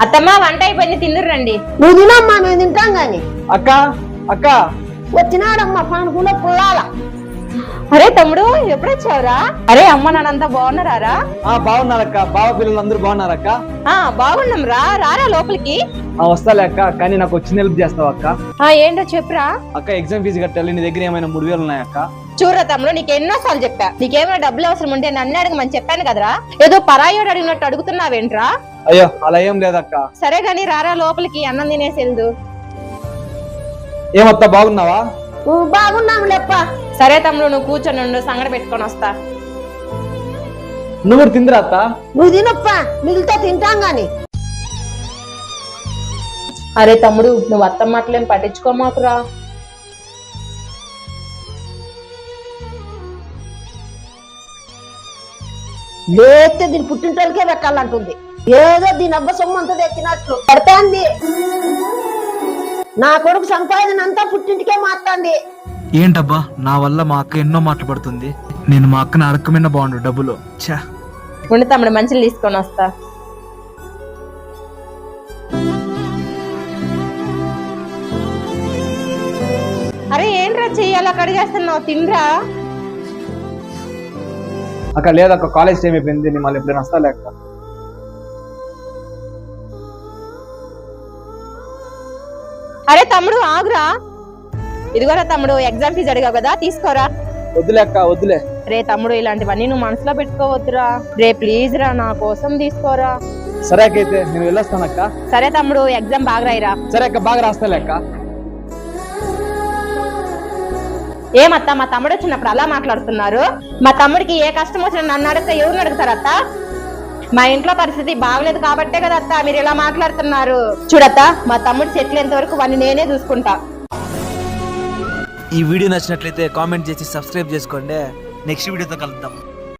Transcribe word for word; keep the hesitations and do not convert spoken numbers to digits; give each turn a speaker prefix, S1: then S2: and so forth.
S1: అత్తమ్మ వంట అయిపోయింది, తిందురు రండి.
S2: నువ్వు తినమ్మా, మేము తింటాం గాని.
S3: అక్క అక్క
S2: వచ్చినాడమ్మా పనుకులో పుల్లాల.
S1: అరే తమ్ముడు ఎప్పుడు వచ్చావురా? అరే అమ్మ నాన్నంతా బాగున్నారా?
S3: ఆ బాగున్నారక్క, బావ పిల్లలు అందరూ బాగున్నారక్క?
S1: ఆ బాగున్నాం రా, రారా లోపలికి.
S3: ఆ వస్తాలే అక్క, కానీ నాకు వచ్చిన హెల్ప్ చేస్తావా అక్క?
S1: ఆ ఏంటో చెప్పురా.
S3: అక్క ఎగ్జామ్ ఫీజు కట్టాలి, నీ దగ్గర ఏమైనా మూడు వేలు ఉన్నాయక్క?
S1: చూడరా తమ్ముడు, నీకు ఎన్నోసార్లు చెప్పా, నీకేమైనా డబ్బులు అవసరం ఉంటే నన్ను అడగమని చెప్పాను కదరా. ఏదో పరాయోడు అడిగినట్టు అడుగుతున్నావేంట్రా?
S3: అయ్యో అలా ఏం లేదక్క.
S1: సరే గాని రారా లోపలికి, అన్నం తినేసి వెళ్దు.
S3: ఏమత్తా బాగున్నావా?
S2: నువ్వు బాగున్నాము లేప్ప.
S1: సరే తమ్ముడు, నువ్వు కూర్చొని ఉండు, సంగడి పెట్టుకొని వస్తా.
S3: నువ్వు కూడా తిందిరా అత్త?
S2: నువ్వు తినప్పా, మిగిలితే తింటాం గాని.
S1: అరే తమ్ముడు, నువ్వు అత్త మాటలేం పట్టించుకోమాకురా.
S2: లేస్తే దీని పుట్టింటోళ్ళకే పెట్టాలంటుంది. ఏదో దీని అబ్బ సొమ్ము అంతా తెచ్చినట్లు పడతాంది. నా కొడుకు సంపాదన అంతా పుట్టింటికే మాట్లాంది.
S4: ఏంటబ్బా, నా వల్ల మా అక్క ఎన్నో మాటలు పడుతుంది. నేను మా అక్కని అడగమైన బాగుండు డబ్బులు. ఛా,
S1: ఉండి తమ్ముడు, మంచిలు తీసుకొని వస్తా. అరే ఏంట్రా చెయ్యాలా కడిగేస్తున్నావు, తినరా.
S3: అక్క లేదక్క, కాలేజ్ టైం అయిపోయింది, నేను మళ్ళీ ఎప్పుడైనా వస్తా లేక.
S1: అరే తమ్ముడు ఆగురా. ఇదిగోరా తమ్ముడు, ఎగ్జామ్ ఫీజు అడిగావు కదా, తీసుకోరా.
S3: వద్దులే అక్క వద్దులే.
S1: రే తమ్ముడు, ఇలాంటివన్నీ నువ్వు మనసులో పెట్టుకోవద్దురా. రే ప్లీజ్ రా, నా కోసం తీసుకోరా.
S3: సరే అక్క, అయితే నేను వెళ్ళొస్తానక్క.
S1: సరే తమ్ముడు, ఎగ్జామ్ బాగా రాయిరా.
S3: సరే అక్క, బాగా రాస్తాలే అక్క.
S1: ఏమత్తా, మా తమ్ముడు వచ్చినప్పుడు అలా మాట్లాడుతున్నారు? మా తమ్ముడికి ఏ కష్టం వచ్చినా నన్ను అడిగితే ఎవరిని అడుగుతారత్తా? మా ఇంట్లో పరిస్థితి బాగలేదు కాబట్టే కదా అత్త మీరు ఇలా మాట్లాడుతున్నారు. చూడత్తా, మా తమ్ముడు సెటిల్ ఎంత వరకు వాడిని నేనే చూసుకుంటా.
S4: ఈ వీడియో నచ్చినట్లయితే కామెంట్ చేసి సబ్స్క్రైబ్ చేసుకోండి. నెక్స్ట్ వీడియోతో కలుద్దాం.